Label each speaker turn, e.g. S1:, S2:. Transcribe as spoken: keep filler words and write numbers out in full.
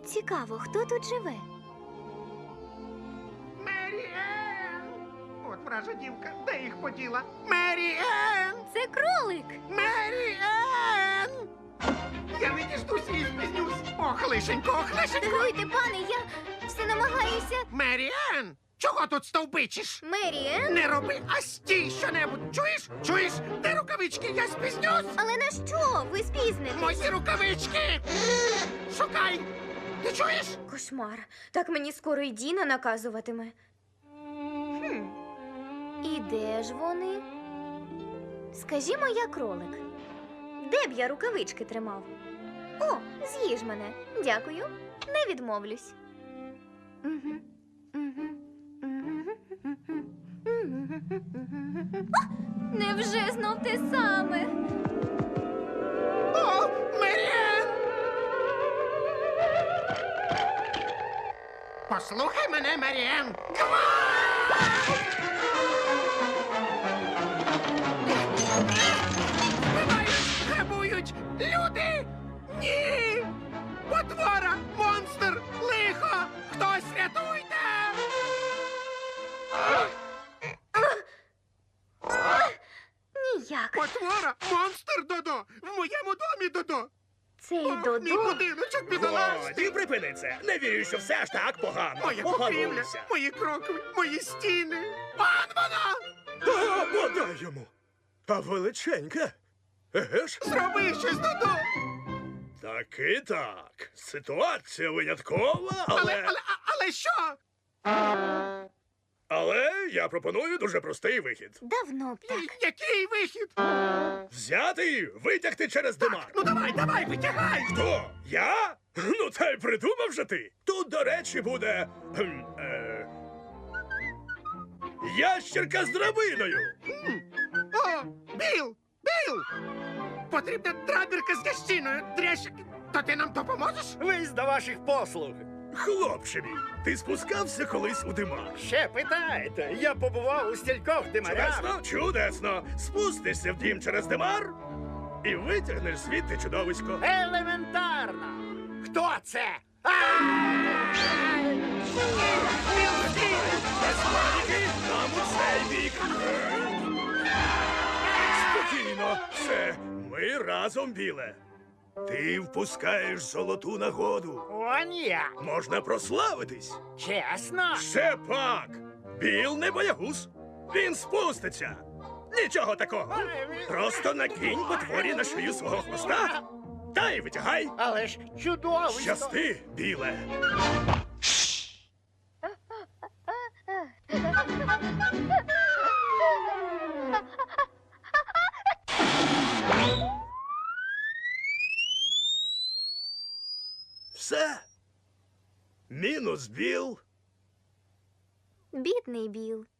S1: Цікаво, хто тут живе?
S2: Мері Енн! От вража дівка, де їх поділа? Мері Енн!
S1: Це кролик!
S2: Мері Енн! Я не діждусь і спізнюсь. Ох, лишенько, ох, лишенько!
S1: Даруйте, пане, я все намагаюся.
S2: Мері Енн! Чого тут стовбичиш?
S1: Меріен?
S2: Не роби, а стій щонебудь. Чуєш? Чуєш? Де рукавички? Я спізнюсь!
S1: Але на що? Ви спізнитесь.
S2: Мої рукавички! Шукай! Ти чуєш?
S1: Кошмар. Так мені скоро й Діна наказуватиме. Хм. І де ж вони? Скажімо, я кролик. Де б я рукавички тримав? О, з'їж мене. Дякую. Не відмовлюсь. Мгм. Мгм. Мгм. Мгм. А! Невже знов те саме?
S2: О, Мері Енн! Послухай мене, Мері Енн! Вбивають, грабують! Люди! Ні! Потвора! Монстр! Лихо! Хтось рятуйте!
S1: Ніяк.
S2: Потвора! Монстр, Додо! В моєму домі, Додо!
S1: Цей
S2: Ох, мій
S1: Додо.
S2: будиночок
S3: Годі,
S2: бідолашний!
S3: припини це. Не вірю, що все аж так погано.
S2: Моя покрівля,
S3: Погамуйся.
S2: мої крокви, мої стіни! Пан вона!
S3: А, подай йому. А величеньке. Еге ж?
S2: Зроби щось, Додо!
S3: Таки так. Ситуація виняткова, але...
S2: Але, але, а- але що?
S3: Але я пропоную дуже простий вихід.
S1: Давно б так.
S2: Який вихід?
S3: Взяти і витягти через димар.
S2: Ну давай, давай, витягай!
S3: Хто? Я? Ну, та й придумав же ти. Тут, до речі, буде... кхм, Е... Ящерка з драбиною.
S2: О, Біл! Біл! Потрібна драбірка з ящиною, дрящик. То ти нам допоможеш?
S4: Вись до ваших послуг.
S3: Хлопче мій, ти спускався колись у димар.
S4: Ще питаєте, я побував у стількох димарях.
S3: Чудесно, чудесно. Спустишся в дім через димар і витягнеш звідти чудовисько.
S4: Елементарно. Хто це?
S3: Без паніки, нам у цей бік. Спокійно, все, ми разом, біле. Ти впускаєш золоту нагоду.
S4: Он як.
S3: Можна прославитись.
S4: Чесно?
S3: Ще пак. Біл не боягуз. Він спуститься. Нічого такого. Просто накинь потворі на шию свого хвоста. Та й витягай.
S4: Але ж чудово.
S3: Щасти, біле. Все. Мінус біл.
S1: Бідний Біл.